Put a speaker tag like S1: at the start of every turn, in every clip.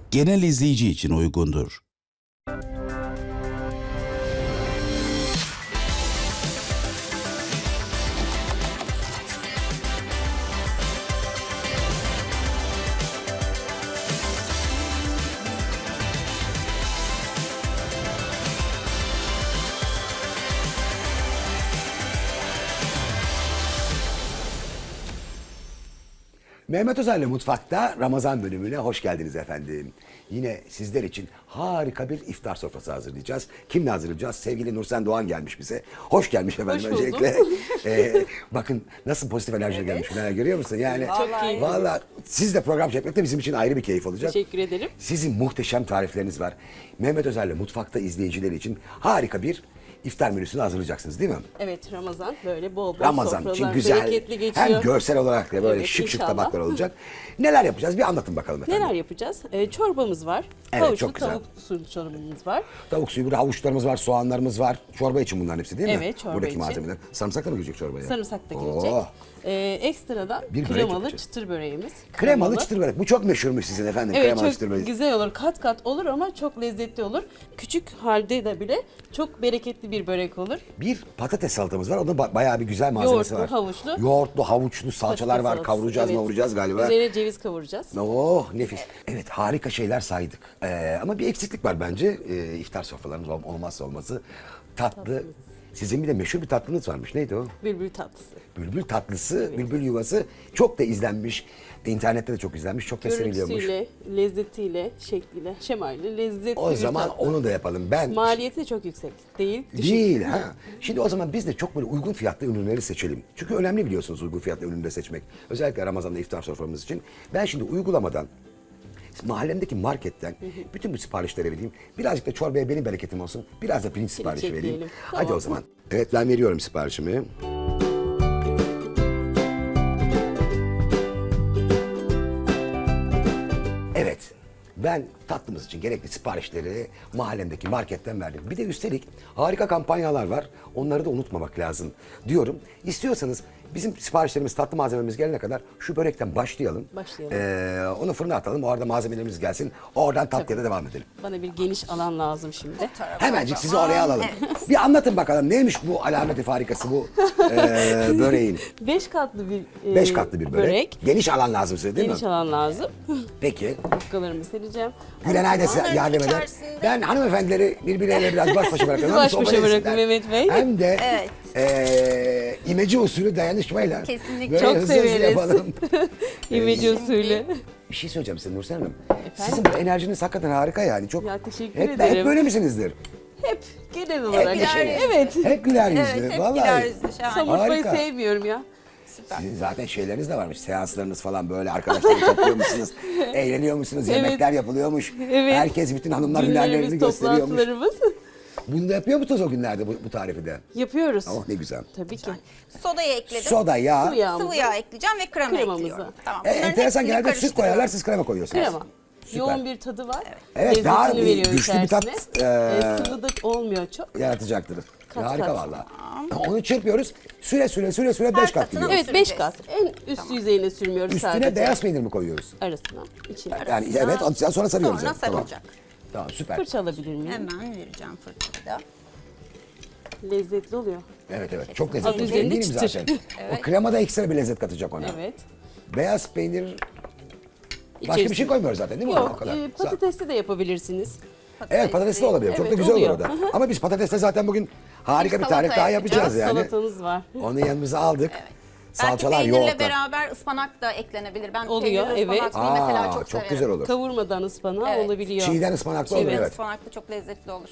S1: genel izleyici için uygundur.
S2: Mehmet Özer'le Mutfak'ta Ramazan bölümüne hoş geldiniz efendim. Yine sizler için harika bir iftar sofrası hazırlayacağız. Kimle hazırlayacağız? Sevgili Nursen Doğan gelmiş bize. Hoş gelmiş efendim
S3: Hoş buldum.
S2: öncelikle. Bakın nasıl pozitif enerji gelmiş. Görüyor musun? Yani
S3: Çok keyifli.
S2: vallahi siz de program çekmek de bizim için ayrı bir keyif olacak.
S3: Teşekkür ederim.
S2: Sizin muhteşem tarifleriniz var. Mehmet Özer'le Mutfak'ta izleyicileri için harika bir iftar menüsünü hazırlayacaksınız değil mi?
S3: Evet, Ramazan böyle bol bol
S2: Ramazan için
S3: sofralar,
S2: güzel,
S3: bereketli geçiyor.
S2: hem görsel olarak da böyle
S3: Evet,
S2: şık şık
S3: inşallah.
S2: tabaklar olacak. Neler yapacağız? Bir anlatın bakalım efendim.
S3: Neler yapacağız? Çorbamız var.
S2: Evet,
S3: Havuçlu
S2: çok güzel.
S3: tavuk sulu çorbamız var.
S2: Tavuk suyu, burada havuçlarımız var, soğanlarımız var. Çorba için bunların hepsi değil mi?
S3: Evet, çorba
S2: Buradaki
S3: için.
S2: malzemeler. Sarımsak da mı girecek çorbaya?
S3: Sarımsak da girecek.
S2: Oh.
S3: Ekstradan
S2: Bir börek
S3: kremalı
S2: yapacağız.
S3: çıtır böreğimiz.
S2: Kremalı çıtır börek. Bu çok meşhurmuş sizin efendim.
S3: Evet,
S2: Kremalı
S3: çok
S2: çıtır börek.
S3: güzel olur. Kat kat olur ama çok lezzetli olur. Küçük halde de bile çok bereketli bir börek olur.
S2: Bir patates salatamız var. Onun bayağı bir güzel malzemesi
S3: Yoğurtlu,
S2: var.
S3: havuçlu.
S2: Yoğurtlu, havuçlu salçalar
S3: Patates
S2: var.
S3: salatası,
S2: Kavuracağız,
S3: evet.
S2: mavuracağız galiba.
S3: Üzerine ceviz kavuracağız.
S2: Oh nefis. Evet harika şeyler saydık. Ama bir eksiklik var bence. İftar sofralarımız olmazsa olmazı. Tatlı. Sizin bir de meşhur bir tatlınız varmış. Neydi o?
S3: Bülbül tatlısı.
S2: Bülbül tatlısı, bülbül yuvası çok da izlenmiş. İnternette de çok izlenmiş, çok da seviliyormuş.
S3: Görüntüsüyle, lezzetiyle, şekliyle, şemaliyle lezzetli
S2: O
S3: bir
S2: zaman
S3: tatlı.
S2: onu da yapalım. Ben
S3: Maliyeti de çok yüksek. Değil. Düşük.
S2: değil ha. Şimdi o zaman biz de çok böyle uygun fiyatlı ürünleri seçelim. Çünkü önemli biliyorsunuz uygun fiyatlı ürünleri seçmek. Özellikle Ramazan'da iftar soframız için. Ben şimdi uygulamadan mahallemdeki marketten bütün bu siparişleri vereyim. Birazcık da çorbaya benim bereketim olsun. Biraz da pirinç siparişi vereyim.
S3: ekleyelim.
S2: Hadi
S3: Tamam.
S2: o zaman. Evet ben veriyorum siparişimi. Evet. Ben tatlımız için gerekli siparişleri mahallemdeki marketten verdim. Bir de üstelik harika kampanyalar var. Onları da unutmamak lazım diyorum. İstiyorsanız bizim siparişlerimiz, tatlı malzememiz gelene kadar şu börekten başlayalım.
S3: Başlayalım.
S2: Onu fırına atalım. O arada malzemelerimiz gelsin. Oradan tatlıya da devam edelim.
S3: Bana bir geniş alan lazım şimdi.
S2: Hemencik sizi oraya alalım. Bir anlatın bakalım neymiş bu alameti farikası bu böreğin.
S3: 5 katlı bir
S2: 5 katlı bir börek. Geniş alan lazım size değil
S3: Geniş
S2: mi?
S3: alan lazım.
S2: Peki.
S3: Yufkalarımı sereceğim.
S2: Gülenay da size
S4: Onların
S2: yardım eder.
S4: içerisinde-
S2: Ben hanımefendileri birbirleriyle biraz baş başa bırakıyorum.
S3: Sizi baş
S2: Hem
S3: başa
S2: sohbet
S3: bırakın
S2: etsinler,
S3: Mehmet Bey.
S2: Hem de
S4: Evet.
S2: imece usulü dayanışmayla.
S4: Kesinlikle.
S2: Böyle
S3: Çok
S2: hızlı
S3: severiz.
S2: yapalım.
S3: İmece usulü.
S2: Bir şey söyleyeceğim size Nursel Hanım. Sizin bu enerjiniz hakikaten harika yani. Çok,
S3: Ya, teşekkür
S2: hep
S3: ederim.
S2: böyle misinizdir?
S3: Hep genel olarak.
S4: güler yüzlü.
S3: Evet.
S2: Hep güler yüzlü.
S4: Evet, hep
S2: Vallahi.
S4: güler yüzlü. Şahane.
S3: Somurtmayı
S2: Harika.
S3: sevmiyorum ya.
S2: Sizin zaten şeyleriniz de varmış. Seanslarınız falan böyle arkadaşları topluyor musunuz? Eğleniyor musunuz?
S3: Evet.
S2: Yemekler yapılıyormuş.
S3: Evet.
S2: Herkes bütün hanımlar hünerlerini
S3: Günlerimiz,
S2: gösteriyormuş.
S3: toplantılarımız.
S2: Bunu da yapıyor musunuz o günlerde bu tarifi de?
S3: Yapıyoruz.
S2: Oh ne güzel.
S3: Tabii ki.
S4: Sodayı ekledim.
S2: Soda, yağ.
S3: Sıvı yağımızı.
S4: Sıvı yağ ekleyeceğim ve krema
S3: Kremamızı.
S4: ekliyorum. Tamam. Bunların
S2: Enteresan
S4: hepsini
S2: genelde süt koyarlar
S4: karıştırıyorum.
S2: siz krema koyuyorsunuz.
S3: Krema.
S2: Süper.
S3: Yoğun bir tadı var.
S2: Evet,
S3: Lezzetini
S2: daha bir
S3: veriyor
S2: güçlü bir tat,
S3: içerisine. Sıvı da olmuyor çok.
S2: Yaratacaktır.
S3: Kat
S2: Harika
S3: kat.
S2: vallahi. Onu çırpıyoruz. Süre 5 kat
S4: katına
S2: gidiyor.
S3: Evet, 5
S4: süreceğiz.
S3: kat. En üst yüzeyine sürmüyoruz
S2: Üstüne
S3: sadece.
S2: beyaz peynir mi koyuyoruz?
S3: Arasına, içine.
S2: Yani evet sonra sarıyoruz.
S4: Sonra
S2: yani. Tamam.
S4: sarılacak.
S2: Tamam süper.
S3: Fırça alabilir miyim?
S4: Hemen vereceğim fırçayı da.
S3: Lezzetli oluyor.
S2: Evet çok lezzetli.
S3: Adı üzerinde
S2: Eminim
S3: çıtır.
S2: zaten. O krema da ekstra bir lezzet katacak ona.
S3: Evet.
S2: Beyaz peynir başka bir şey
S3: İçerisine-
S2: koymuyoruz zaten değil mi? O
S3: Yok,
S2: kadar.
S3: patatesli de yapabilirsiniz.
S2: Evet patatesli olabilir. Çok da
S3: Evet,
S2: güzel olur
S3: oluyor.
S2: o da. Ama biz patatesle zaten bugün harika bir
S4: salata
S2: tarif daha yapacağız
S4: yapacağız.
S2: yani.
S3: Salatanız var.
S2: Onu yanımıza aldık. Salçalar,
S4: Belki peynirle
S2: yoğurtlar.
S4: beraber ıspanak da eklenebilir. Ben
S3: Oluyor,
S4: peynirli
S3: evet.
S4: ıspanaklıyı mesela çok severim.
S2: güzel olur.
S3: Kavurmadan ıspanağı
S4: Evet.
S3: olabiliyor.
S2: Çiğden ıspanaklı olur
S3: Evet.
S2: evet.
S4: Ispanaklı çok lezzetli olur.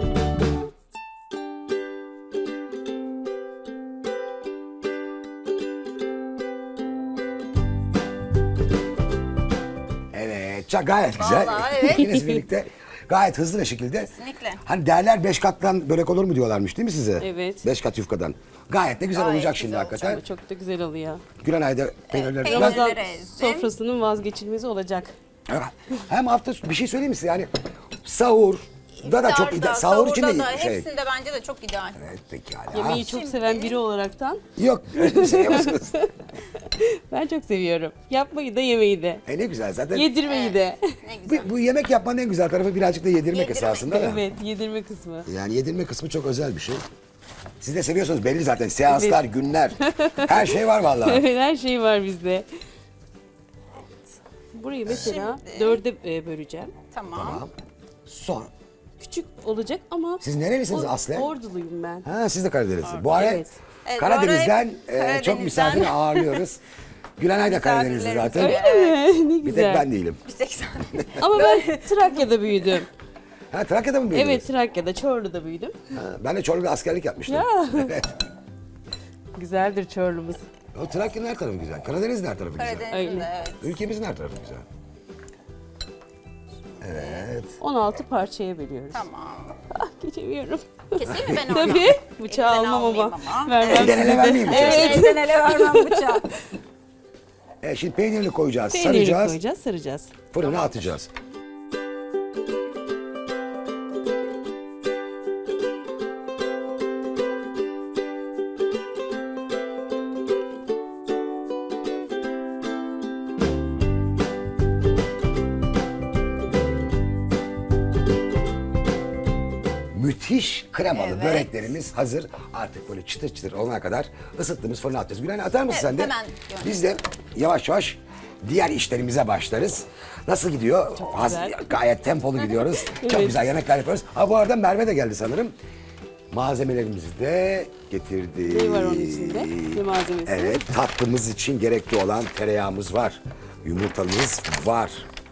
S2: Evet, gayet güzel.
S4: Vallahi evet.
S2: İkiniz birlikte gayet hızlı bir şekilde.
S4: Kesinlikle.
S2: Hani derler 5 kattan börek olur mu diyorlarmış değil mi size?
S3: Evet.
S2: 5 kat yufkadan. Gayet de güzel
S4: Gayet
S2: olacak
S4: güzel
S2: şimdi
S4: olacak.
S2: hakikaten.
S3: Ama çok da güzel oluyor.
S2: Gülenay'da peynirleri.
S4: peynir-
S2: Ben-
S3: Ramazan
S4: ezdim.
S3: sofrasının vazgeçilmezi olacak.
S2: Hem hafta bir şey söyleyeyim mi size yani sahur da çok
S4: İftarda,
S2: ideal. Sahur için de
S4: sahurda da,
S2: şey.
S4: hepsinde bence de çok ideal.
S2: Evet pekala.
S3: Yemeği çok
S4: Şimdi-
S3: seven biri olaraktan
S2: Yok öyle bir şey yapıyorsunuz.
S3: Ben çok seviyorum. Yapmayı da yemeyi de.
S2: Ne güzel zaten.
S3: Yedirmeyi de.
S4: Ne güzel.
S2: Bu yemek yapmanın en güzel tarafı birazcık da yedirmek
S4: Yedirmek.
S2: esasında da.
S3: Evet, yedirme kısmı.
S2: Yani yedirme kısmı çok özel bir şey. Siz de seviyorsunuz belli zaten. Seanslar, günler. Her şey var vallahi.
S3: Evet, her şey var bizde. Burayı mesela
S4: Şimdi-
S3: 4'e böleceğim.
S4: Tamam.
S2: Tamam. Son.
S3: Küçük olacak ama...
S2: Siz nerelisiniz aslen?
S3: Orduluyum ben.
S2: Ha siz de Karadenizlisiniz. Bu ara
S3: Evet.
S4: Evet,
S2: Karadeniz'den
S4: bu ara hep
S2: çok misafir
S4: Karadeniz'den.
S2: ağırlıyoruz. Gülenay da Karadenizli zaten.
S4: Misafirlerimiz
S3: Ne
S2: Bir tek
S3: güzel.
S2: ben değilim.
S4: 180.
S3: Ama ben Trakya'da büyüdüm.
S2: Ha Trakya'da mı büyüdünüz?
S3: Evet, Trakya'da, Çorlu'da büyüdüm.
S2: Ha, ben de Çorlu'da askerlik yapmıştım.
S3: Ya.
S2: Evet.
S3: Güzeldir Çorlu'muz.
S2: O Trakya'nın her tarafı güzel. Karadeniz'in her tarafı güzel.
S4: Karadeniz'de
S3: Öyle.
S4: evet.
S2: Ülkemizin her tarafı güzel. Evet.
S3: 16 parçaya bölüyoruz.
S4: Tamam.
S3: Ah, geçemiyorum.
S4: Keseyim mi ben onu?
S3: Tabii. Bıçağı
S4: Elden
S3: almam ama.
S4: almayayım ama.
S3: Vermem
S2: Elden ele
S3: size de.
S2: vermeyeyim bıçağı.
S3: Evet.
S4: Elden ele vermem bıçağı.
S2: Şimdi peynirini koyacağız,
S3: Peyniri
S2: saracağız,
S3: koyacağız, saracağız.
S2: fırına atacağız. Müthiş kremalı
S4: Evet.
S2: böreklerimiz hazır. Artık böyle çıtır çıtır olana kadar ısıttığımız fırına atacağız. Gülen atar mısın
S4: Evet,
S2: sen de?
S4: hemen gönder.
S2: Biz de yavaş yavaş diğer işlerimize başlarız. Nasıl gidiyor?
S3: güzel.
S2: Gayet tempolu gidiyoruz. Çok
S3: Evet.
S2: güzel yemekler yapıyoruz. Ha bu arada Merve de geldi sanırım. Malzemelerimizi de getirdi.
S3: Ne var onun içinde? Ne malzemesi?
S2: Evet, tatlımız için gerekli olan tereyağımız var. Yumurtamız var.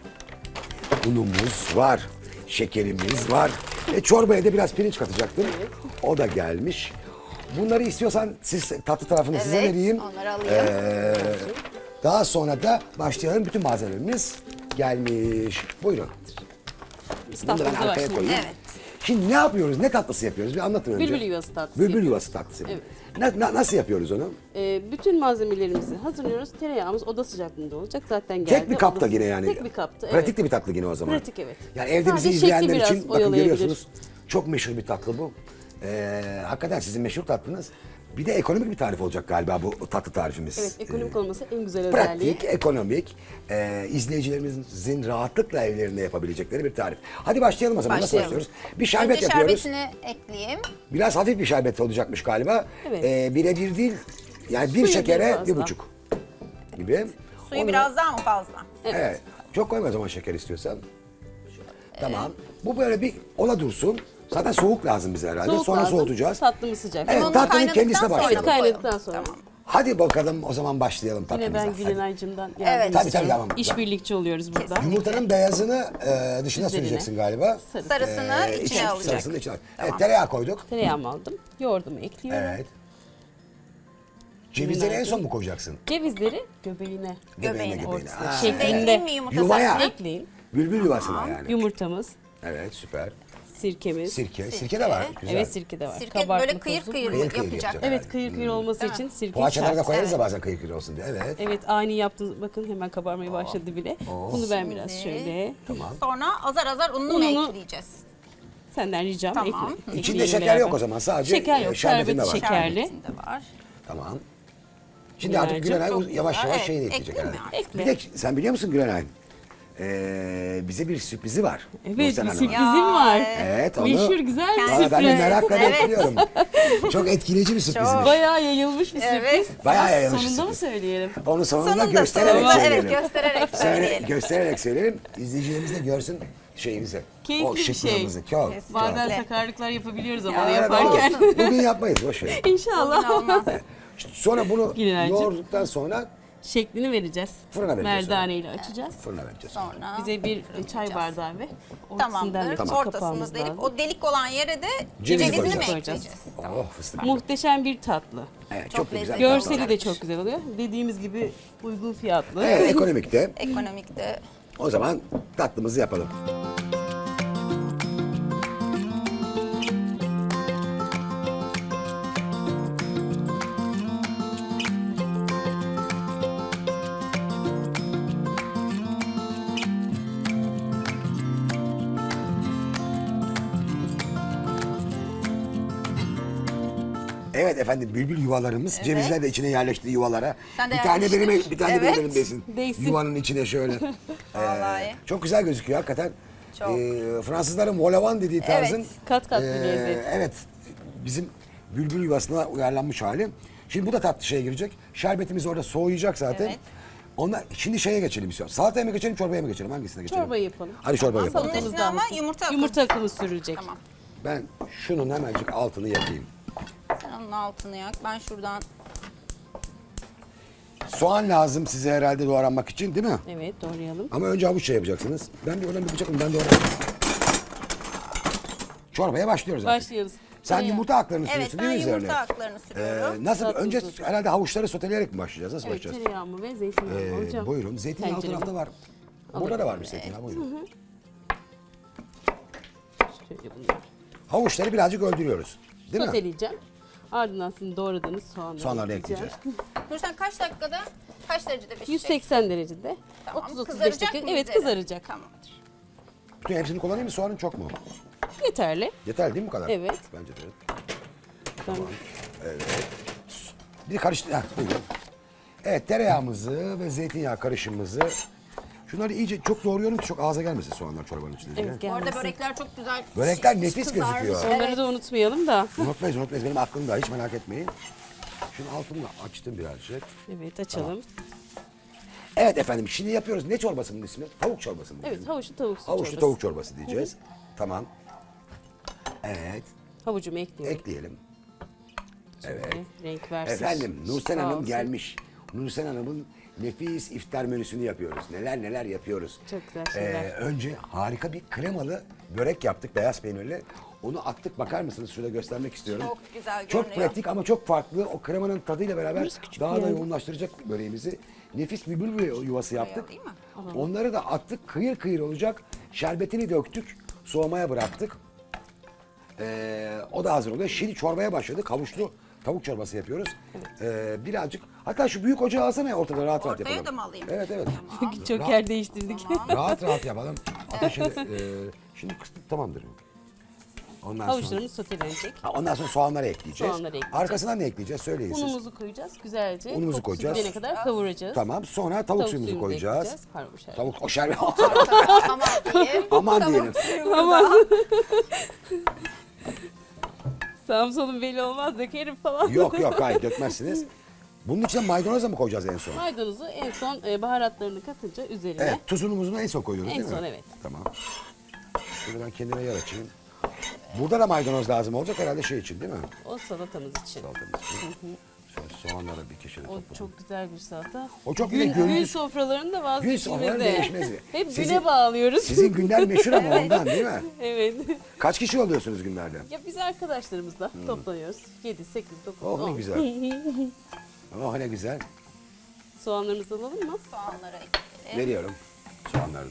S2: Unumuz var. Şekerimiz var. Çorbaya da biraz pirinç katacaktım. O da gelmiş. Bunları istiyorsan siz tatlı tarafını size
S4: Evet,
S2: vereyim.
S4: onları alayım.
S2: Daha sonra da başlayalım. Bütün malzemelerimiz gelmiş. Buyurun. Bunu da ben
S3: İstanbul'da
S2: arkaya
S3: başlayalım.
S2: koyayım.
S4: Evet.
S2: Şimdi ne yapıyoruz? Ne tatlısı yapıyoruz? Bir anlatın önce.
S3: Bülbül yuvası tatlısı
S2: Bülbül
S3: yapıyoruz.
S2: yuvası tatlısı yapıyoruz. Nasıl yapıyoruz onu?
S3: Bütün malzemelerimizi hazırlıyoruz. Tereyağımız oda sıcaklığında olacak. Zaten geldi.
S2: Tek bir kapta
S3: Odası-
S2: yine yani.
S3: Tek bir kapta, evet.
S2: Pratik de bir tatlı yine o zaman.
S3: Pratik, evet.
S2: Yani evde bizi
S3: Sadece şekli
S2: izleyenler
S3: biraz
S2: için bakın
S3: oyalayabilir.
S2: görüyorsunuz. Çok meşhur bir tatlı bu. Hakikaten sizin meşhur tatlınız. Bir de ekonomik bir tarif olacak galiba bu tatlı tarifimiz.
S3: Evet, ekonomik olması en güzel özelliği.
S2: Pratik, ekonomik, izleyicilerimizin rahatlıkla evlerinde yapabilecekleri bir tarif. Hadi başlayalım o zaman. Nasıl
S3: Başlayalım.
S2: başlıyoruz? Bir şerbet
S4: Önce
S2: yapıyoruz.
S4: şerbetini ekleyeyim.
S2: Biraz hafif bir şerbet olacakmış galiba.
S3: Evet.
S2: Birebir değil, yani bir
S3: Suyu
S2: şekere
S3: biraz fazla.
S2: 1,5 gibi.
S4: Suyu
S2: Onu-
S4: biraz daha mı fazla?
S2: Evet. Çok koyma o zaman şeker istiyorsan. Tamam. Bu böyle bir ola dursun. Zaten soğuk lazım bize herhalde.
S3: Soğuk
S2: Sonra
S3: lazım,
S2: soğutacağız.
S3: Tatlımız sıcak.
S2: Evet,
S4: Onu
S2: tatlının
S4: kaynadıktan
S2: kendisine
S4: sonra
S2: başlayalım.
S4: mı koyalım?
S3: Kaynadıktan sonra.
S4: Tamam.
S2: Hadi bakalım o zaman başlayalım
S3: Yine
S2: tatlımıza.
S3: ben Gülenay'cımdan
S4: Evet.
S3: yardım
S2: Tabii,
S3: istiyorum.
S2: tamam.
S3: İşbirlikçi oluyoruz burada.
S2: Yumurtanın beyazını dışına
S3: Üzerine.
S2: süreceksin galiba.
S3: Sarısı.
S4: Sarısını içine alacak.
S2: Sarısını içine al. Evet, tereyağı koyduk.
S3: Tereyağımı aldım. Yoğurdumu ekliyorum.
S2: Evet. Cevizleri en son mu koyacaksın?
S3: Cevizleri göbeğine.
S4: Göbeğine.
S3: Ortasına.
S2: Ha,
S4: Şimdi
S3: Şeklinde.
S4: ekleyeyim mi yumurta
S2: Yuvaya.
S4: sarısını?
S3: Ekleyin.
S2: Bülbül yuvasına yani.
S3: Yumurtamız,
S2: Evet, süper.
S3: sirkemiz.
S2: Sirke. Sirke de var. Güzel.
S3: Evet, sirke de var.
S4: Sirke
S3: Kabartma
S4: böyle kıyır
S3: tozu.
S4: kıyır
S2: Kıyır kıyır
S4: yapacak.
S2: yapacak.
S3: Evet, kıyır kıyır olması için sirke
S2: Poğaçalara da
S3: şart.
S2: koyarız da bazen kıyır kıyır olsun diye. Evet.
S3: Evet, ani yaptınız. Bakın hemen kabarmaya başladı bile. Bunu ben biraz şöyle.
S2: Tamam.
S4: Sonra azar azar ununu mu
S3: Ununu-
S4: ekleyeceğiz?
S3: Senden ricam
S4: Tamam.
S3: ekle.
S2: İçinde
S3: ekleyelim
S2: şeker
S3: beraber.
S2: yok o zaman. Sadece
S3: Şeker yok,
S2: şerbetinde
S3: şerbeti
S2: var.
S3: şekerli.
S4: Şerbetinde var.
S2: Tamam. Şimdi artık
S3: Gülenay'cığım,
S2: Gülenay
S4: çok
S2: yavaş
S4: güzel.
S2: yavaş
S4: Evet,
S2: şeyini ekleyecek
S4: ekleyeyim
S2: herhalde.
S4: mi?
S3: Ekle.
S2: Bir de sen biliyor musun Gülenay? Bize bir sürprizi var.
S3: Evet, bir
S2: Nursel Hanım'a.
S3: sürprizim var.
S2: Evet, onu...
S3: Meşhur güzel bir
S2: Valla ben de
S3: sürpriz.
S2: merakla
S4: Evet.
S2: bekliyorum. Çok etkileyici bir sürprizmiş.
S3: Bayağı yayılmış bir
S4: Evet.
S3: sürpriz.
S2: Bayağı yayılmış bir
S3: Sonunda mı
S2: sürpriz.
S3: söyleyelim?
S2: Onu sonunda
S4: Sonunda
S2: göstererek
S4: sonunda
S2: söyleyelim.
S4: evet göstererek söyleyelim.
S2: Göstererek söyleyelim. İzleyicilerimiz de görsün şeyimizi.
S3: Keyifli
S2: o
S3: bir şey.
S2: şıklığımızı. Çok.
S4: Kesinlikle.
S3: Bazen
S4: Öyle.
S3: sakarlıklar yapabiliyoruz ama
S4: Ya,
S3: onu
S2: Evet,
S3: yaparken.
S2: olsun. Bugün yapmayız boş ver.
S3: İnşallah.
S4: Olmaz.
S2: Sonra bunu
S3: Gülenay'cığım.
S2: yoğurduktan sonra
S3: Şeklini vereceğiz.
S2: Fırına vereceğiz
S3: Merdane ile açacağız.
S2: fırına vereceğiz.
S4: Sonra
S3: Bize bir çay bardağı ve ortasından
S4: tamamdır.
S3: da küçük
S4: Ortasını
S3: kapağımız
S4: delip
S3: lazım.
S4: o delik olan yere de
S2: Cevizi
S4: cevizini mi
S2: koyacağız.
S4: ekleyeceğiz?
S2: Oh fıstık.
S3: Muhteşem bir tatlı.
S2: Evet,
S4: Çok
S2: çok da güzel.
S4: lezzetli.
S3: Görseli de çok güzel oluyor. Dediğimiz gibi uygun fiyatlı.
S2: Evet, ekonomikte.
S4: Ekonomikte.
S2: O zaman tatlımızı yapalım. Evet efendim, bülbül yuvalarımız. Cevizler de içine yerleşti yuvalara.
S4: Sen de
S2: bir tane benim,
S4: yerleştir.
S2: bir tane
S4: Evet.
S2: benim elimdesin.
S3: Değsin.
S2: Yuvanın içine şöyle.
S4: Vallahi.
S2: Çok güzel gözüküyor hakikaten.
S4: Çok.
S2: Fransızların volavan dediği tarzın.
S4: Evet.
S3: Kat kat bir lezzet.
S2: Evet. Bizim bülbül yuvasına uyarlanmış hali. Şimdi bu da tatlı şeye girecek. Şerbetimiz orada soğuyacak zaten.
S4: Evet.
S2: şimdi şeye geçelim istiyorum. Salataya mı geçelim, çorbaya mı geçelim? Hangisine geçelim?
S3: Çorbayı yapalım.
S2: Hadi çorba
S4: Bunun
S2: yapalım.
S3: Salatamız
S4: üstüne
S3: da
S4: ama
S3: alsın.
S4: yumurta akı.
S3: Yumurta akımı sürülecek.
S4: Tamam.
S2: Ben şunun hemencik altını yakayım.
S4: Sen onun altını yak. Ben şuradan
S2: Soğan lazım size herhalde doğranmak için, değil mi?
S3: Evet, doğrayalım.
S2: Ama önce havuç yapacaksınız. Ben bir oradan bir bıçakım, ben doğrayayım. Çorbaya başlıyoruz artık.
S3: Başlıyoruz.
S2: Sen
S3: Tereyağı.
S2: yumurta aklarını
S4: evet
S2: sürüyorsun
S4: ben
S2: değil mi üzerine?
S4: yumurta aklarını sürüyorum.
S2: Nasıl?
S3: Tatlı
S2: Önce
S3: tuzlu.
S2: herhalde havuçları soteleyerek mi başlayacağız? Nasıl
S3: Evet,
S2: başlayacağız?
S3: tereyağımı ve zeytinyağımı alacağım.
S2: Buyurun. Zeytinyağı alt
S3: Tencereme.
S2: tarafta var. Burada da varmış zeytinyağı. Buyurun.
S3: Şöyle bunları
S2: Havuçları birazcık öldürüyoruz. Değil mi?
S3: soteleyeceğim. Ardından sizin doğradığınız soğanları
S2: Soğanları
S3: ekleyeceğim.
S2: ekleyeceğiz.
S4: Dur sen kaç dakikada, kaç derecede pişecek?
S3: 180 derecede.
S4: Tamam.
S3: 30-35
S4: Kızaracak
S3: dakika.
S4: mı
S3: Evet,
S4: üzeri?
S3: kızaracak.
S4: Tamamdır.
S2: Bütün hepsini kullanayım mı? Soğanın çok mu?
S3: Yeterli.
S2: Yeter değil mi bu kadar?
S3: Evet.
S2: Bence de.
S3: Tamam.
S2: Bir karıştır. Buyurun. Evet, tereyağımızı ve zeytinyağı karışımımızı. Şunları iyice çok doğruyorum ki çok ağza gelmesin soğanlar çorbanın içinde.
S3: Evet,
S4: Bu arada
S3: gelmesin.
S4: börekler çok güzel.
S2: Börekler nefis
S4: kızarmış.
S2: gözüküyor.
S3: Onları da unutmayalım da.
S2: Unutmayız. Benim aklımda, hiç merak etmeyin. Şunu altını da açtım birazcık.
S3: Evet, açalım.
S2: Evet efendim, şimdi yapıyoruz. Ne çorbasının ismi? Tavuk çorbası mı?
S3: Evet, havuçlu tavuk su
S2: Havuçlu
S3: çorbası.
S2: tavuk çorbası diyeceğiz. Tamam. Evet,
S3: Havucumu ekliyorum.
S2: ekleyelim. Evet.
S3: Renk versin.
S2: Efendim, Nursen
S3: Sağ
S2: Hanım
S3: olsun.
S2: gelmiş. Nursen Hanım'ın nefis iftar menüsünü yapıyoruz. Neler neler yapıyoruz.
S3: Çok güzel şeyler.
S2: Önce harika bir kremalı börek yaptık, beyaz peynirli. Onu attık, bakar mısınız? Şurada göstermek istiyorum.
S4: Çok güzel
S2: Çok
S4: görünüyor.
S2: pratik ama çok farklı. O kremanın tadıyla beraber
S3: Burası küçük
S2: daha
S3: bir
S2: da
S3: yer.
S2: yoğunlaştıracak böreğimizi. Nefis bir bülbül yuvası yaptık.
S4: değil mi?
S2: Onları da attık, kıyır kıyır olacak. Şerbetini döktük, soğumaya bıraktık. O da hazır oluyor. Şimdi çorbaya başladık. Havuçlu tavuk çorbası yapıyoruz. Birazcık, hatta şu büyük ocağı alsana ya, ortada rahat rahat
S4: Ortaya
S2: yapalım.
S4: da mı alayım?
S2: Evet evet.
S3: Çok yer değiştirdik.
S2: Rahat rahat yapalım. Ateşi, şimdi kıstık, tamamdır. Ondan sonra,
S3: Havuçlarımız sotelenecek.
S2: ondan sonra soğanları ekleyeceğiz.
S3: Soğanları ekleyeceğiz.
S2: Arkasından ne ekleyeceğiz? Söyleyin siz.
S3: Unumuzu koyacağız güzelce.
S2: Unumuzu
S3: Kokusu
S2: koyacağız.
S3: gidene kadar kavuracağız.
S2: Tamam. Sonra tavuk suyumuzu koyacağız.
S3: ekleyeceğiz. Pardon, şerbet.
S2: Tavuk, o şerbet.
S4: Tamam diyeyim.
S2: Aman diyelim.
S3: Sağım solum belli olmaz, dökerim falan.
S2: Yok yok, hayır dökmezsiniz. Bunun içine maydanoz da mı koyacağız en son?
S3: Maydanozu en son baharatlarını katınca üzerine.
S2: Evet, tuzunu muzunu en son koyuyoruz
S3: En
S2: değil mi?
S3: son, evet.
S2: Tamam. Şöyle ben kendime yer açayım. Burada da maydanoz lazım olacak herhalde şey için değil mi?
S3: O salatamız için.
S2: Salatamız için. Şöyle soğanları bir köşede
S3: O
S2: toplayalım.
S3: çok güzel bir salata.
S2: O çok
S3: gün,
S2: bir de
S3: gün
S2: gündüz.
S3: sofralarında
S2: Gün sofraları
S3: vazgeçilmez
S2: değişmez.
S3: Hep
S2: Sizin-
S3: güne bağlıyoruz.
S2: Sizin günler meşhur ama ondan değil mi?
S3: Evet.
S2: Kaç kişi oluyorsunuz günlerde?
S3: Ya biz arkadaşlarımızla toplanıyoruz. 7, 8, 9,
S2: Oh
S3: 10.
S2: ne güzel. Oh ne güzel.
S3: Soğanlarımızı alalım mı?
S4: Soğanları ekleyelim.
S2: Veriyorum soğanları da.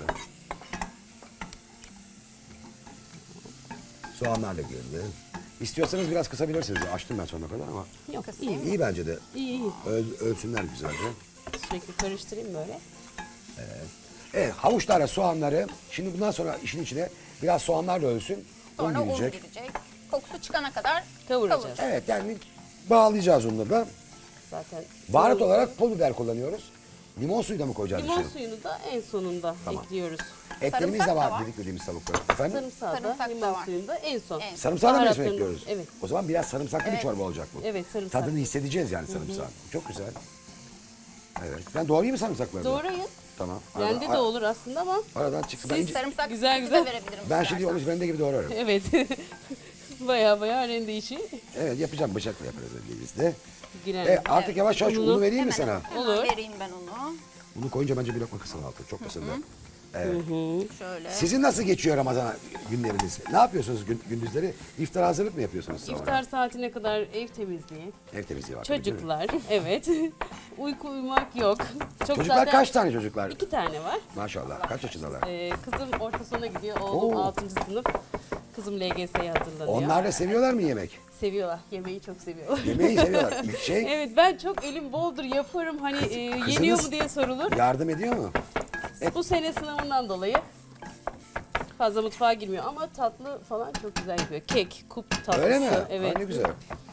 S2: Soğanlar da girdi. İstiyorsanız biraz kısabilirsiniz. Açtım ben sonuna kadar ama
S3: Yok,
S4: Kısayım.
S3: iyi.
S2: iyi bence de.
S3: İyi, iyi.
S2: Ölsünler güzelce.
S3: Sürekli karıştırayım böyle.
S2: Evet, havuçlarla soğanları, şimdi bundan sonra işin içine biraz soğanlar da ölsün.
S4: Sonra un
S2: girecek.
S4: girecek. Kokusu çıkana kadar
S3: Kavuracağız.
S2: Evet, yani bağlayacağız onları da.
S3: Zaten
S2: Baharat
S3: limon-
S2: olarak pul biber kullanıyoruz. Limon suyu da mı koyacağız
S3: Limon
S2: içine?
S3: suyunu da en sonunda ekliyoruz.
S2: Etlerimiz
S4: Sarımsak
S2: de
S4: da
S2: var
S4: var.
S2: dedik dediğimiz tavuklar. Efendim?
S3: Sarımsağı da
S4: Sarımsak da
S3: limon
S4: var.
S3: suyunu da en son.
S4: En
S2: Sarımsağı da mı
S3: Baharatlarını-
S2: ekliyoruz?
S3: Evet.
S2: O zaman biraz sarımsaklı bir çorba olacak bu.
S3: Evet, sarımsak.
S2: Tadını hissedeceğiz yani sarımsağın. Çok güzel. Evet. Ben doğrayayım mı sarımsakları? da?
S3: Doğrayın.
S2: Tamam.
S3: Rende de olur aslında ama
S2: Aradan çıktı. Ben,
S3: Siz-
S4: sarımsak
S3: Güzel,
S4: güzel,
S3: güzel.
S4: de verebilirim.
S2: ben
S4: istersen.
S2: şimdi onu rende gibi doğrarım.
S3: evet. Baya rende işi
S2: Evet, yapacağım, bıçakla yaparız biz de.
S3: girer.
S2: Artık yavaş yavaş
S3: Ununu
S2: unu vereyim mi
S4: Hemen,
S2: sana?
S4: hemen
S3: Olur.
S4: vereyim ben onu.
S2: Unu koyunca bence bir lokma kısın altı. Çok kısın da.
S4: Şöyle.
S2: Sizin nasıl geçiyor Ramazan günleriniz? Ne yapıyorsunuz gündüzleri? İftara hazırlık mı yapıyorsunuz sabah?
S3: İftar saatine kadar ev temizliği,
S2: Ev temizliği var. tabii, değil mi?
S3: çocuklar, evet. Uyku uyumak yok. Çok
S2: Çocuklar
S3: zaten
S2: kaç tane çocuklar?
S3: 2 tane var.
S2: Maşallah. Kaç yaşındalar?
S3: Kızım orta sona gidiyor, oğlum
S2: Oo.
S3: 6. sınıf. Kızım LGS'ye hazırlanıyor.
S2: Onlar da seviyorlar mı yemek?
S3: Seviyorlar, yemeği çok seviyorlar.
S2: Yemeği seviyorlar. İlk şey
S3: Evet, ben çok elim boldur yaparım, hani yeniyor mu diye sorulur.
S2: yardım ediyor mu?
S3: Bu sene sınavından dolayı fazla mutfağa girmiyor ama tatlı falan çok güzel yapıyor. Kek, kup tatlısı.
S2: Öyle mi?
S3: Evet.
S2: Ay, ne güzel.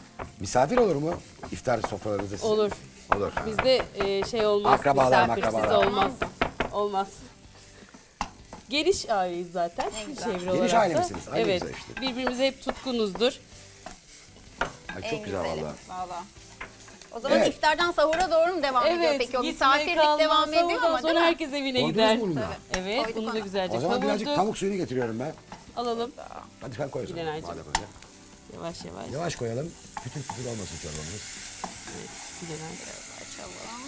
S2: Misafir olur mu? İftar sofralarınızda sizin?
S3: Olur.
S2: Olur.
S3: Bizde şey olmaz.
S2: Akrabalar,
S3: misafirsiz
S2: makrabalar.
S3: olmaz. Olmaz. Geniş aileyiz zaten.
S4: Ne güzel.
S3: Çevre
S2: Geniş
S3: olarak
S2: aile
S3: da.
S2: misiniz? Ay, ne
S3: Evet.
S2: güzel işte.
S3: Birbirimize hep tutkunuzdur.
S2: Ay, çok
S4: En
S2: güzel
S4: güzeli,
S2: valla.
S4: valla. O zaman
S2: Evet.
S4: iftardan sahura doğru mu devam ediyor peki? O
S3: gitme,
S4: misafirlik
S3: kalma,
S4: devam ediyor
S3: sahurdan
S4: ama değil
S3: sonra
S4: mi?
S3: herkes evine
S2: Koydunuz
S3: gider.
S2: mu bunu da?
S3: Evet,
S4: Koyduk
S3: bunu da
S4: onu.
S3: güzelce
S2: O zaman birazcık
S3: kavurduk.
S2: pamuk suyunu getiriyorum ben.
S3: Alalım.
S2: Hadi sen koy o zaman.
S3: Gülenaycığım.
S2: Madem öyle.
S3: Yavaş yavaş.
S2: Yavaş koyalım. Kütür kütür olmasın çorbamız.
S3: Gülenay.
S4: Açalım.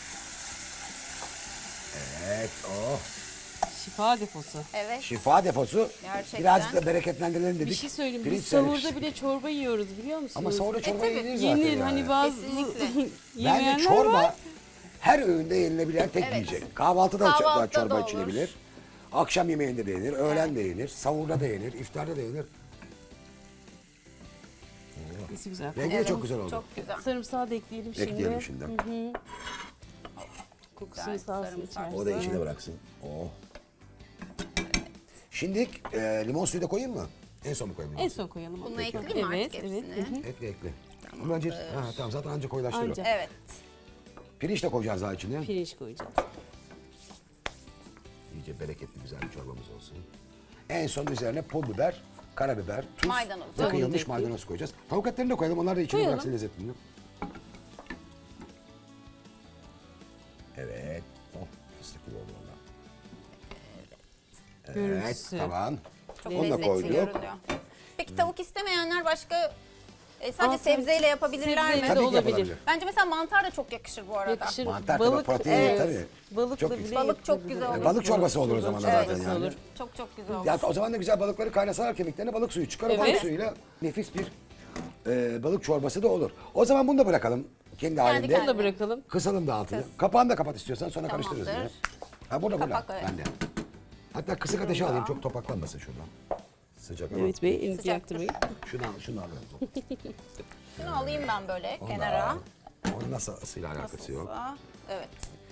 S2: Evet. Oh.
S3: Şifa deposu.
S4: Evet.
S2: Şifa deposu.
S4: Gerçekten.
S2: Birazcık da bereketlendirelim dedik.
S3: Bir şey söyleyeyim.
S2: Pirinç
S3: Biz sahurda
S2: servis.
S3: bile çorba yiyoruz biliyor musunuz?
S2: Ama sahurda çorba
S4: tabii.
S2: yenir zaten.
S3: yenir.
S2: yani.
S3: Hani bazı
S4: Kesinlikle.
S2: Bence
S3: yemeyenler
S2: çorba
S3: var.
S2: her öğünde yenilebilen tek
S4: Evet.
S2: yiyecek. Kahvaltıda
S4: Kahvaltıda
S2: çorba
S4: da olur.
S2: içilebilir. Akşam yemeğinde de yenir, öğlen de yenir, sahurda da yenir, iftarda da yenir.
S3: Nesi güzel.
S2: Rengi de çok güzel oldu.
S4: Çok güzel.
S3: Sarımsağı da ekleyelim şimdi.
S2: Ekleyelim şimdi.
S3: Kokusunu
S4: Güzel,
S3: sağ olsun
S4: sarımsak.
S3: içerisi.
S2: O da içine bıraksın. Oh. Şimdi limon suyu da koyayım mı? En son mu koyayım?
S3: En son koyalım. onu.
S4: Bunu ekleyeyim mi
S3: Evet,
S4: artık
S3: evet.
S4: hepsini?
S3: Hı hı.
S2: Ekle ekle. Ama önce, tamam zaten anca koyulaştırıyor.
S3: Anca.
S4: Evet.
S2: Pirinç de koyacağız daha içine.
S3: Pirinç koyacağız.
S2: İyice bereketli güzel bir çorbamız olsun. En son üzerine pul biber, karabiber, tuz
S4: Maydanoz.
S2: ve
S3: Onu
S2: kıyılmış
S3: da
S2: maydanoz koyacağız. Tavuk etlerini de koyalım. Onlar da içine
S3: Koyalım.
S2: bıraksın lezzetini. Evet. Oh, fıstık gibi oldu valla. Evet,
S3: Görüntüsü.
S2: tamam.
S4: Çok
S2: Onu da
S4: lezzetli
S2: koyduk.
S4: görünüyor. Peki tavuk istemeyenler başka sadece
S3: Aa,
S4: sebzeyle yapabilirler
S3: sebzeyle
S4: mi?
S3: de
S2: Tabii ki
S3: olabilir.
S2: yapılabilir.
S4: Bence mesela mantar da çok yakışır bu arada.
S3: Yakışır.
S2: Mantar tabii, protein tabii.
S3: Balıkla
S2: Çok
S3: bile
S2: güzel.
S4: Balık çok
S3: yapılabilir.
S4: güzel olur.
S2: Balık çorbası olur o zaman da
S3: Balık
S2: zaten
S3: çorbası
S2: yani.
S3: olur.
S4: Çok çok güzel olur.
S2: Ya o zaman da güzel balıkları kaynasalar kemiklerine balık suyu çıkar. O
S3: Evet.
S2: balık suyuyla nefis bir balık çorbası da olur. O zaman bunu da bırakalım kendi halinde.
S3: Bunu da bırakalım.
S2: Kısalım da altını. Kapağını da kapat istiyorsan sonra
S4: Tamamdır.
S2: karıştırırız yine. Ha burada burada.
S4: Kapak, evet.
S2: Bende. Hatta kısık ateşe alayım çok topaklanmasın şuradan. Sıcak ama.
S3: Evet Bey, elinizi
S4: Sıcaktır.
S3: yaktırmayın.
S2: Şunu alalım.
S4: Şunu alayım ben böyle
S2: Onu
S4: kenara.
S2: al. Onun nasıl ısıyla alakası yok.
S4: Nasılsa. Evet.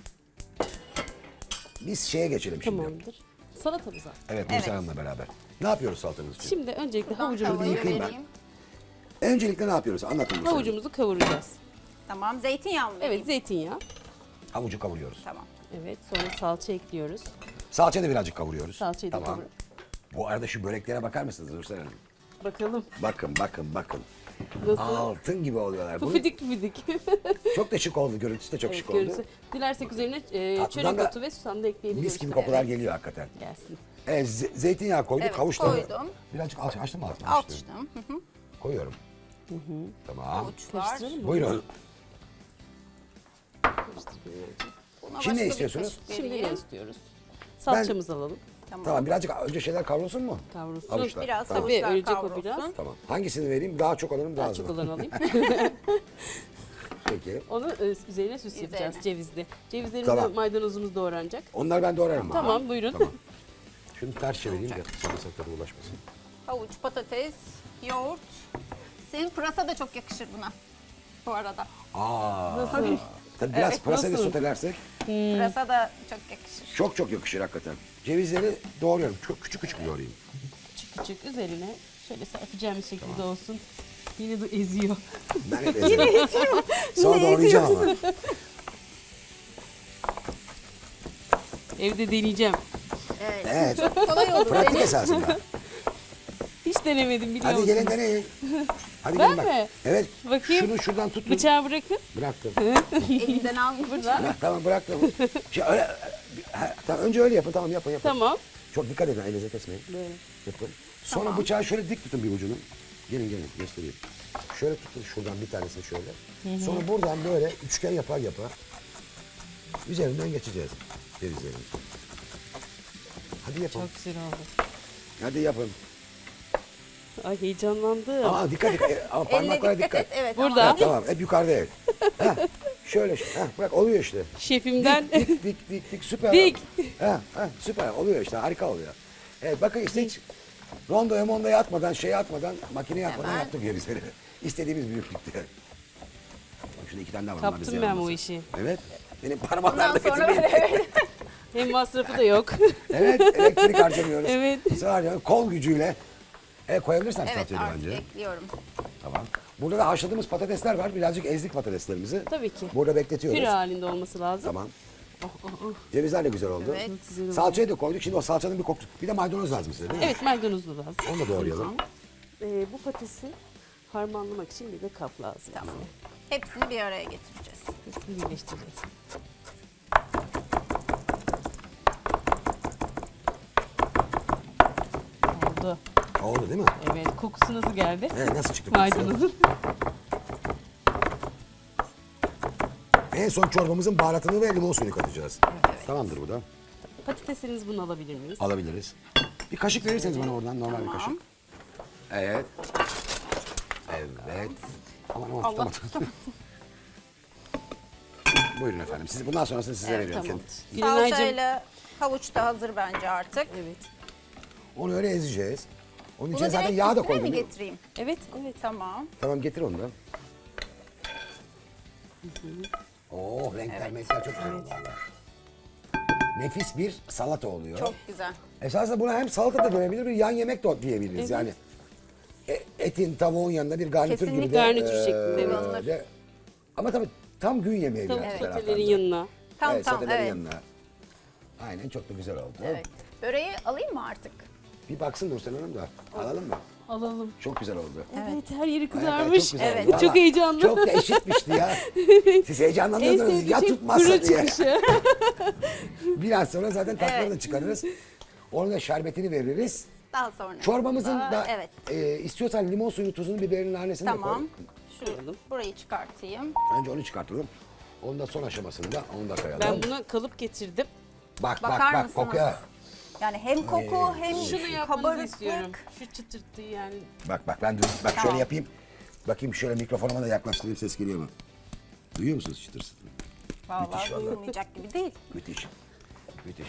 S2: Biz şeye geçelim şimdi.
S3: Tamamdır. Salatamıza.
S2: Evet Nursel Hanım'la beraber. Ne yapıyoruz salatamız için?
S3: Şimdi öncelikle
S4: Tavuğu
S3: havucumuzu,
S2: yıkayayım ben.
S4: vereyim.
S2: Öncelikle ne yapıyoruz? Anlatın Nursel Hanım.
S3: havucumuzu kavuracağız.
S4: Tamam. Zeytinyağı mı vereyim?
S3: Evet, zeytinyağı.
S2: Havucu kavuruyoruz.
S4: Tamam.
S3: Evet, sonra salça ekliyoruz.
S2: Salçayı da birazcık kavuruyoruz.
S3: Salçayı da
S2: Tamam.
S3: kavur.
S2: Bu arada şu böreklere bakar mısınız Nursel Hanım?
S3: Bakalım
S2: Bakın bakın bakın.
S3: nasıl?
S2: Altın gibi oluyorlar. Bunu
S3: Pufidik pufidik.
S2: çok da şık oldu. Görüntüsü de çok
S3: Evet,
S2: şık oldu.
S3: görüntüsü. Dilersek üzerine
S2: Tatlıdan
S3: çörek
S2: da
S3: otu ve susam da ekleyebiliriz.
S2: Mis gibi kokular geliyor hakikaten.
S3: Gelsin.
S2: Evet, zeytinyağı koyduk,
S4: Evet,
S2: havuçları.
S4: koydum.
S2: Birazcık açtım mı altını?
S4: Açtım. Hı hı.
S2: Koyuyorum. Tamam.
S4: Havuçlar.
S3: Karıştıralım mı?
S2: Buyurun.
S4: Buna
S2: Şimdi ne
S4: başka bir
S2: istiyorsunuz?
S4: kaşık
S3: Şimdi ne
S4: vereyim.
S3: istiyoruz? Salçamızı alalım.
S2: Tamam birazcık önce şeyler kavrulsun mu?
S3: Kavrulsun.
S2: Havuçlar.
S4: Biraz
S2: Tamam.
S3: Tabii
S4: havuçlar
S3: ölecek o
S4: kavrulsun.
S3: biraz.
S2: Tamam. Hangisini vereyim? Daha çok alırım, daha
S3: Daha
S2: az
S3: çok
S2: alırım.
S3: olanı alayım.
S2: Peki.
S3: Onu üzerine süs yapacağız cevizli. Cevizlerimiz
S2: Tamam.
S3: de maydanozumuz doğranacak.
S2: Onları ben doğrarım.
S3: Tamam buyurun.
S2: Tamam. Şunu ters çevireyim de sarımsaklara ulaşmasın.
S4: Havuç, patates, yoğurt. Senin pırasa da çok yakışır buna. Bu arada.
S3: Nasıl?
S2: Tabii biraz
S4: Evet,
S2: pırasayla
S3: nasıl?
S2: sotelersek
S4: Pırasa da çok yakışır.
S2: çok çok yakışır hakikaten. Cevizleri doğruyorum. Çok küçük küçük doğrayayım.
S3: Küçük küçük üzerine şöyle serpeceğimiz şekilde olsun. Yine de eziyor.
S2: Ben hep ezerim. Sonra doğrayacağım ama.
S3: Evde deneyeceğim.
S4: Evet.
S2: Evet.
S4: Çok kolay olur.
S2: Pratik
S4: Dene.
S2: esasında.
S3: Hiç denemedim biliyor
S2: Hadi
S3: musun?
S2: gelin deneyin. Hadi
S3: Ben
S2: gelin bak.
S3: mi?
S2: Evet.
S3: Bakayım.
S2: Şunu şuradan tutun.
S3: Bıçağı bırakın.
S2: Bıraktım.
S4: Elinden almış.
S2: Tamam bıraktım. Öyle, tamam, önce öyle yapın. Tamam yapın yapın.
S3: Tamam.
S2: Çok dikkat edin. Elinize kesmeyin.
S3: Böyle.
S2: Yapın. Sonra bıçağı şöyle dik tutun bir ucunu. Gelin gelin göstereyim. Şöyle tutun şuradan bir tanesini şöyle. Sonra buradan böyle üçgen yapar yapar. Üzerinden geçeceğiz. Cevizlerin. Hadi yapın.
S3: Çok güzel oldu.
S2: Hadi yapın.
S3: Ay heyecanlandım.
S2: Aa dikkat dikkat. Ama
S4: Elle
S2: parmaklara
S4: dikkat et.
S2: dikkat.
S4: Evet.
S3: Burada.
S2: Ha, tamam hep yukarıda evet. Ha, şöyle. Ha, bırak oluyor işte.
S3: Şefimden
S2: Dik süper.
S3: Dik.
S2: Süper oluyor işte harika oluyor. Evet bakın işte hiç rondoya mondoya atmadan makineye atmadan
S4: Hemen.
S2: yaptık cevizleri. İstediğimiz büyüklükte. Bak şurada 2 tane daha var. onlar bize
S3: kaptım ben bu
S2: yaramaz.
S3: işi.
S2: Evet. Benim
S4: Bundan
S2: parmaklarda
S4: sonra
S2: kötü bir...
S4: böyle.
S3: Hem masrafı da yok.
S2: Evet elektrik harcamıyoruz.
S3: Evet.
S2: Sadece kol gücüyle. Koyabilirsen
S4: Evet
S2: salçayı
S4: artık
S2: bence.
S4: ekliyorum.
S2: Tamam. Burada da haşladığımız patatesler var. Birazcık ezdik patateslerimizi.
S3: Tabii ki.
S2: Burada bekletiyoruz.
S3: Püre halinde olması lazım.
S2: Tamam.
S3: Oh, oh, oh.
S2: Cevizler de güzel oldu.
S4: Evet.
S3: Güzel oldu.
S2: Salçayı da koyduk. Şimdi o salçanın bir kokusu. Bir de maydanoz lazım size değil mi?
S3: Evet, maydanoz da lazım.
S2: Onu da doğrayalım.
S3: Bu patatesi harmanlamak için bir de kap lazım.
S4: Tamam. Hepsini bir araya getireceğiz.
S3: Hepsini birleştireceğiz. Oldu.
S2: Oldu değil mi?
S3: Evet, kokusu nasıl geldi?
S2: Nasıl çıktı kokusu?
S3: Maydanozun.
S2: En son çorbamızın baharatını ve limon suyunu katacağız. Tamamdır bu da.
S3: Patateslerinizi bunu alabilir miyiz?
S2: Alabiliriz. Bir kaşık verirseniz bana oradan normal bir kaşık. Evet. Evet. Aman tutamadım. Buyurun efendim. Siz, bundan sonrasını size veriyorum.
S3: Tamam.
S2: Kendim.
S3: Gülenaycığım.
S4: Salçayla havuç da hazır bence artık.
S3: Evet.
S2: Onu öyle ezeceğiz. Onun
S4: Bunu
S2: içine zaten
S4: direkt
S2: yağ da
S4: üstüne
S2: koydum.
S4: mi
S2: değil mi?
S4: getireyim?
S3: Evet, evet.
S4: Tamam.
S2: Tamam getir onu da. Oh renkler renkler çok güzel oldu valla. Nefis bir salata oluyor.
S4: Çok güzel.
S2: Esasında buna hem salata da dönebilir, bir yan yemek de diyebiliriz.
S3: Evet.
S2: Yani etin, tavuğun yanında bir garnitür gibi de.
S3: Garnitür şeklinde, evet.
S2: de- Ama tabii tam gün yemeği
S3: Tavuk
S2: biraz bir
S3: sotelerin
S2: taraftan da.
S3: yanına.
S4: Tam
S2: Evet,
S4: tam
S2: sotelerin
S4: evet.
S2: yanına. Aynen çok da güzel oldu.
S4: Evet. Böreği alayım mı artık?
S2: Bir baksın Nursel Hanım da. Alalım mı?
S3: Alalım.
S2: Çok güzel oldu.
S3: Evet, her yeri
S2: Ayaklar
S3: kızarmış.
S2: çok güzel oldu.
S4: Evet.
S2: Valla
S3: Çok heyecanlı.
S2: Çok da eşitmişti ya. Siz
S3: En
S2: heyecanlandınız
S3: sevdiğim
S2: ya
S3: şey
S2: tutmazsa
S3: püre
S2: diye.
S3: çıkışı.
S2: Biraz sonra zaten tatları
S4: Evet.
S2: da çıkarırız. Onun da şerbetini veririz.
S4: Daha sonra.
S2: Çorbamızın da
S4: Evet.
S2: istiyorsan limon suyunu, tuzunu, biberini, nanesini de
S4: Tamam.
S2: koy.
S4: Şu burayı çıkartayım.
S2: Önce onu çıkartalım. Onun da son aşamasında onu da koyalım.
S3: Ben buna kalıp getirdim.
S2: Bak
S4: Bakar
S2: bak
S4: mısınız?
S2: kokuya.
S4: Yani hem koku hem
S3: Şunu yapmanızı
S4: kabarıklık.
S3: istiyorum. Şu çıtırtı yani.
S2: Bak ben bak şöyle yapayım. Bakayım şöyle mikrofonuma da yaklaştırayım, ses geliyor mu? Duyuyor musunuz çıtır çıtır?
S4: Vallahi
S2: Müthiş vallahi.
S4: duyulmayacak gibi değil.
S2: Müthiş. Müthiş.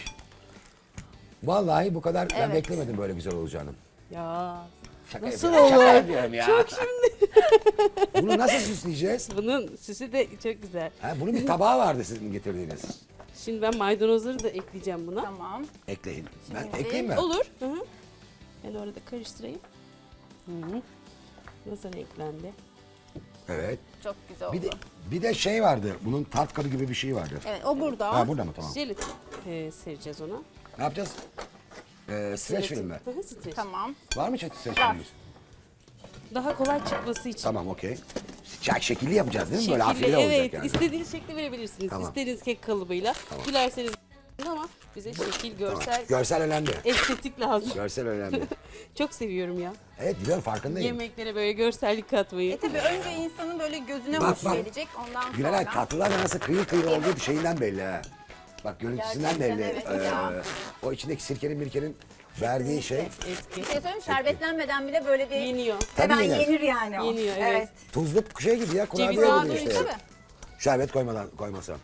S2: Vallahi bu kadar ben
S4: Evet.
S2: beklemedim böyle güzel olacağını.
S3: Ya.
S2: Şaka
S3: Nasıl
S2: yapıyorum, şaka
S3: olur?
S2: yapıyorum ya.
S3: Çok şimdi.
S2: Bunu nasıl süsleyeceğiz?
S3: Bunun süsü de çok güzel.
S2: Ha, bunun bir tabağı vardı sizin getirdiğiniz.
S3: Şimdi ben maydanozları da ekleyeceğim buna.
S4: Tamam.
S2: Ekleyin. Ben
S4: Şimdi-
S2: ekleyeyim mi?
S3: Olur. Hı hı. Ben orada karıştırayım. Hı hı. Nasıl renklendi?
S2: Evet.
S4: Çok güzel oldu.
S2: Bir de şey vardı. Bunun tart kabı gibi bir şey vardı.
S4: Evet o burada.
S2: Ha burada mı? Tamam.
S3: Jelatin sereceğiz ona.
S2: Ne yapacağız? Streç film mi?
S3: Hı hı, streç.
S4: Tamam.
S2: Var mı streç
S4: Var.
S2: filmimiz?
S3: Daha kolay çıkması için.
S2: Tamam okey. Şekilli yapacağız değil mi? Böyle
S3: Şekilli,
S2: afile olacak
S3: evet,
S2: yani.
S3: istediğiniz şekli verebilirsiniz.
S2: Tamam.
S3: İstediğiniz kek kalıbıyla. Dilerseniz ama bize şekil, görsel,
S2: Görsel önemli.
S3: estetik lazım.
S2: Görsel önemli.
S3: Çok seviyorum ya.
S2: Evet biliyorum farkındayım.
S3: Yemeklere böyle görsellik katmayı.
S4: Tabii önce insanın böyle gözüne
S2: Bak,
S4: hoş
S2: bak.
S4: gelecek. Ondan
S2: Gülenay
S4: sonra.
S2: tatlılar da nasıl kıyır kıyır olduğu şeyinden belli ha. Bak görüntüsünden
S4: Gerçekten
S2: belli.
S4: evet ya.
S2: O içindeki sirkenin mirkenin verdiği şey.
S3: Eski.
S4: Bir şey söyleyeyim şerbetlenmeden bile böyle bir
S3: Yeniyor.
S2: Tabii
S4: hemen
S2: yenir.
S4: yenir yani o.
S3: Yeniyor, evet.
S2: Tuzlu şey gibi ya kurabiye
S3: Ceviz
S2: gibi
S3: ağabey,
S2: işte.
S4: Tabii.
S2: Şerbet koymasam.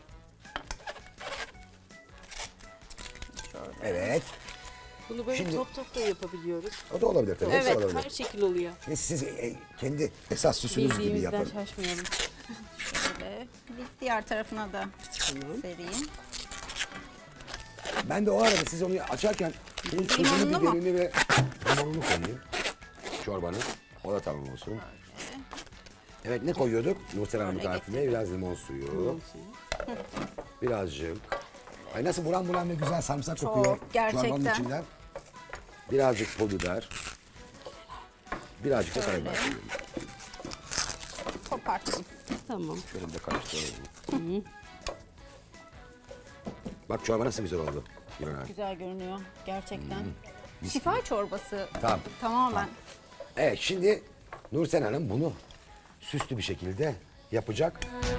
S2: Evet.
S3: Bunu böyle
S2: Şimdi-
S3: top top da yapabiliyoruz.
S2: O da olabilir tabii. Hepsi
S3: Evet,
S2: olabilir.
S3: her şekil oluyor.
S2: Siz kendi esas süsünüz gibi
S3: Bildiğimizden
S2: yapın.
S3: şaşmayalım.
S4: Şöyle bir diğer tarafına da
S3: Tamam.
S4: sereyim.
S2: Ben de o arada siz onu açarken bunun tuzunu,
S4: Limonlu mu?
S2: biberini ve limonunu koyayım. Çorbanın. O da tamam olsun. Evet ne koyuyorduk? Nursel Hanım'ın
S4: Şöyle
S2: tarifinde biraz limon suyu. Birazcık. Ay nasıl buram buram ve güzel sarımsak
S4: Çok,
S2: kokuyor.
S4: gerçekten.
S2: Çorbanın içinden. Birazcık pul biber. Birazcık da karabiber koyuyorum.
S4: Koparttım.
S3: Tamam.
S2: Şöyle bir de karıştıralım. Bak çorba nasıl güzel oldu. Gülenay.
S4: Güzel görünüyor gerçekten. Şifa çorbası
S2: Tamam.
S4: tamamen.
S2: Evet şimdi Nursel Hanım bunu süslü bir şekilde yapacak.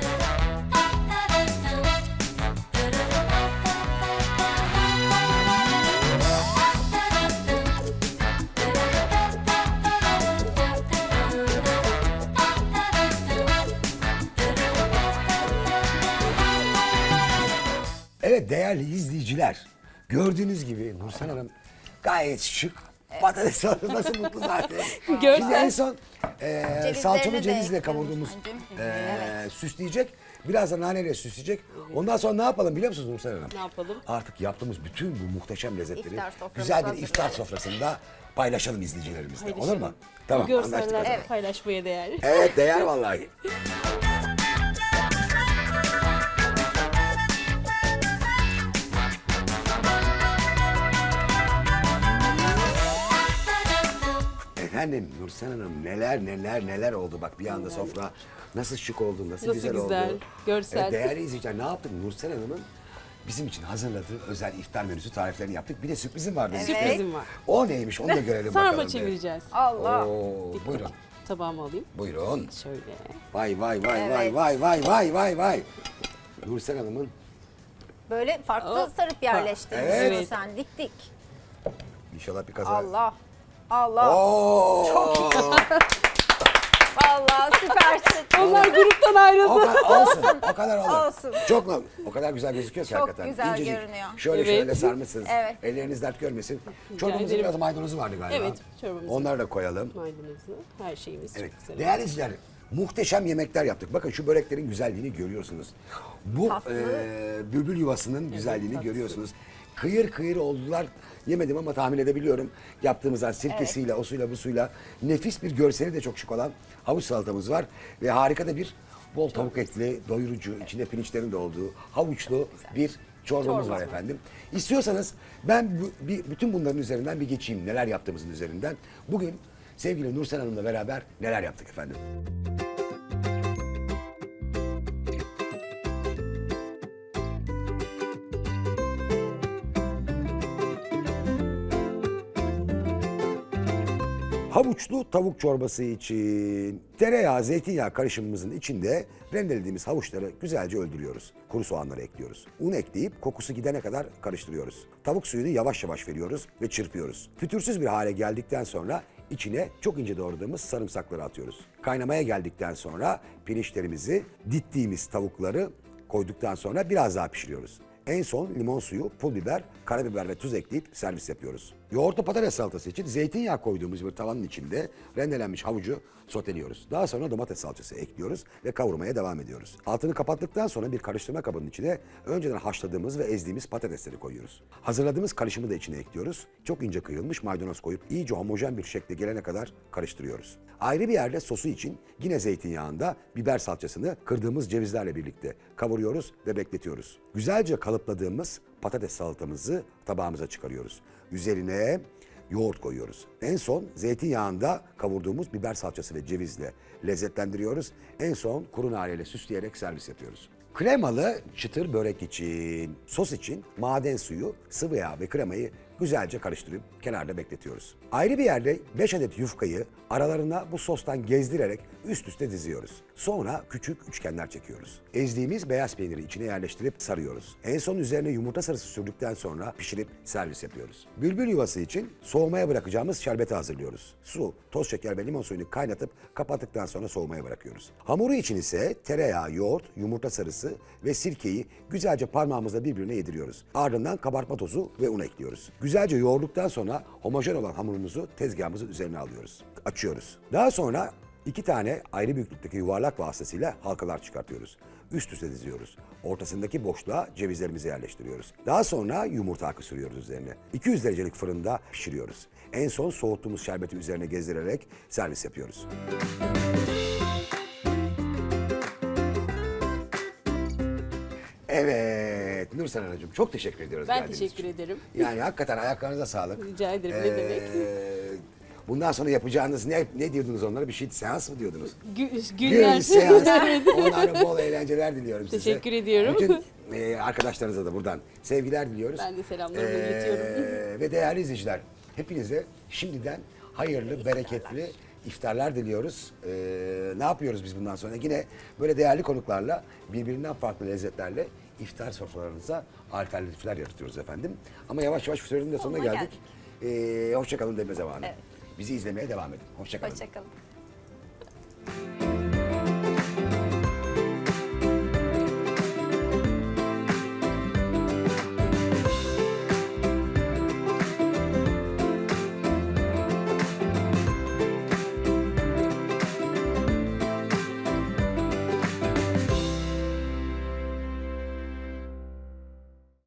S2: Evet değerli izleyiciler, gördüğünüz gibi Nursel Hanım gayet şık. Patates salatası nasıl mutlu zaten.
S3: Görsel.
S2: Biz en son salçalı
S4: de
S2: cevizle
S4: ekledim
S2: kavurduğumuz
S4: anneciğim.
S2: süsleyecek. Biraz da naneyle süsleyecek. Ondan sonra ne yapalım biliyor musunuz Nursel Hanım?
S3: Ne yapalım?
S2: Artık yaptığımız bütün bu muhteşem lezzetleri
S4: İftar soframızı
S2: güzel bir iftar
S4: hazırlayalım.
S2: sofrasında paylaşalım izleyicilerimizle. Olur mu?
S3: Paylaşalım.
S2: Tamam,
S3: Bu
S2: anlaştık o
S3: görseller
S2: zaman.
S3: paylaşmaya değer.
S2: Evet, değer vallahi. Efendim Nursel Hanım neler oldu bak bir anda sofra nasıl şık oldu, nasıl
S3: Nasıl
S2: güzel
S3: güzel,
S2: oldu.
S3: görsel.
S2: Evet, değerli izleyiciler ne yaptık Nursel Hanım'ın bizim için hazırladığı özel iftar menüsü tariflerini yaptık. Bir de sürprizim var benim.
S3: Sürprizim var.
S2: O neymiş onu da görelim bakalım.
S3: Sarma
S2: bir.
S3: çevireceğiz.
S4: Allah.
S2: Oo, buyurun.
S3: Tabağımı alayım.
S2: Buyurun.
S3: Şöyle.
S2: Vay.
S4: Evet.
S2: Nursel Hanım'ın
S4: Böyle farklı sarıp yerleştirmişsin
S3: Evet.
S4: sen. Dik.
S2: inşallah bir kaza.
S4: Allah. Allah.
S2: Oo.
S4: Vallahi süpersin.
S3: Onlar gruptan ayrıldı.
S2: Olsun. O kadar olur.
S4: Olsun.
S2: Çok mu? O kadar güzel gözüküyor ki
S4: Çok
S2: hakikaten.
S4: güzel
S2: İncecik.
S4: görünüyor.
S2: Şöyle
S3: Evet.
S2: sarmışsınız.
S4: Evet.
S2: Elleriniz dert görmesin. Çorbamızın
S3: ederim.
S2: biraz maydanozu vardı galiba.
S3: Evet, çorbamızın.
S2: Onları da koyalım.
S3: Maydanozu, her şeyimiz
S2: Evet.
S3: çok güzel.
S2: Değerli izleyiciler, muhteşem yemekler yaptık. Bakın şu böreklerin güzelliğini görüyorsunuz. Bu
S4: Tatlı.
S2: bülbül yuvasının güzelliğini
S3: tatlısı.
S2: görüyorsunuz. Kıyır kıyır oldular. Yemedim ama tahmin edebiliyorum. Yaptığımızdan sirkesiyle, o suyla, bu suyla nefis bir görseli de çok şık olan havuç salatamız var. Ve harika da bir bol tavuk etli, doyurucu, içinde pirinçlerin de olduğu havuçlu bir çorbamız var efendim. İstiyorsanız ben bütün bunların üzerinden bir geçeyim. Neler yaptığımızın üzerinden. Bugün sevgili Nursel Hanım'la beraber neler yaptık efendim? Havuçlu tavuk çorbası için tereyağı, zeytinyağı karışımımızın içinde rendelediğimiz havuçları güzelce öldürüyoruz. Kuru soğanları ekliyoruz. Un ekleyip kokusu gidene kadar karıştırıyoruz. Tavuk suyunu yavaş yavaş veriyoruz ve çırpıyoruz. Fütürsüz bir hale geldikten sonra içine çok ince doğradığımız sarımsakları atıyoruz. Kaynamaya geldikten sonra pirinçlerimizi, dittiğimiz tavukları koyduktan sonra biraz daha pişiriyoruz. En son limon suyu, pul biber, karabiber ve tuz ekleyip servis yapıyoruz. Yoğurtlu patates salatası için zeytinyağı koyduğumuz bir tavanın içinde rendelenmiş havucu soteliyoruz. Daha sonra domates salçası ekliyoruz ve kavurmaya devam ediyoruz. Altını kapattıktan sonra bir karıştırma kabının içine önceden haşladığımız ve ezdiğimiz patatesleri koyuyoruz. Hazırladığımız karışımı da içine ekliyoruz. Çok ince kıyılmış maydanoz koyup iyice homojen bir şekle gelene kadar karıştırıyoruz. Ayrı bir yerde sosu için yine zeytinyağında biber salçasını kırdığımız cevizlerle birlikte kavuruyoruz ve bekletiyoruz. Güzelce kalıpladığımız patates salatamızı tabağımıza çıkarıyoruz. Üzerine yoğurt koyuyoruz. En son zeytinyağında kavurduğumuz biber salçası ve cevizle lezzetlendiriyoruz. En son kuru naneyle süsleyerek servis yapıyoruz. Kremalı çıtır börek için, sos için maden suyu, sıvı yağ ve kremayı güzelce karıştırıp kenarda bekletiyoruz. Ayrı bir yerde 5 adet yufkayı aralarına bu sostan gezdirerek üst üste diziyoruz. Sonra küçük üçgenler çekiyoruz. Ezdiğimiz beyaz peyniri içine yerleştirip sarıyoruz. En son üzerine yumurta sarısı sürdükten sonra pişirip servis yapıyoruz. Bülbül yuvası için soğumaya bırakacağımız şerbeti hazırlıyoruz. Su, toz şeker ve limon suyunu kaynatıp kapattıktan sonra soğumaya bırakıyoruz. Hamuru için ise tereyağı, yoğurt, yumurta sarısı ve sirkeyi güzelce parmağımızla birbirine yediriyoruz. Ardından kabartma tozu ve un ekliyoruz. Güzelce yoğurduktan sonra homojen olan hamurumuzu tezgahımızın üzerine alıyoruz. Açıyoruz. Daha sonra 2 tane ayrı büyüklükteki yuvarlak vasıtasıyla halkalar çıkartıyoruz. Üst üste diziyoruz. Ortasındaki boşluğa cevizlerimizi yerleştiriyoruz. Daha sonra yumurta akı sürüyoruz üzerine. 200 derecelik fırında pişiriyoruz. En son soğuttuğumuz şerbeti üzerine gezdirerek servis yapıyoruz. Evet, Nursel Hanımcığım çok teşekkür ediyoruz.
S3: Ben
S2: geldiğiniz
S3: teşekkür
S2: için.
S3: ederim.
S2: Yani hakikaten ayaklarınıza sağlık.
S3: Rica ederim, ne demek.
S2: Bundan sonra yapacağınız ne diyordunuz onlara? Bir şey seans mı diyordunuz?
S3: Günler.
S2: Gün, seans. Onlara bol eğlenceler diliyorum size.
S3: Teşekkür ediyorum.
S2: Bütün arkadaşlarınıza da buradan sevgiler diliyoruz.
S3: Ben de selamlarımı iletiyorum.
S2: Ve değerli izleyiciler, hepinize şimdiden hayırlı, bereketli iftarlar diliyoruz. Ne yapıyoruz biz bundan sonra? Yine böyle değerli konuklarla, birbirinden farklı lezzetlerle iftar sofralarınıza alternatifler yaratıyoruz efendim. Ama yavaş yavaş sürenin de sonuna geldik. Hoşça kalın deme zamanı.
S4: Evet.
S2: Bizi izlemeye devam edin. Hoşça kalın.
S4: Hoşçakalın.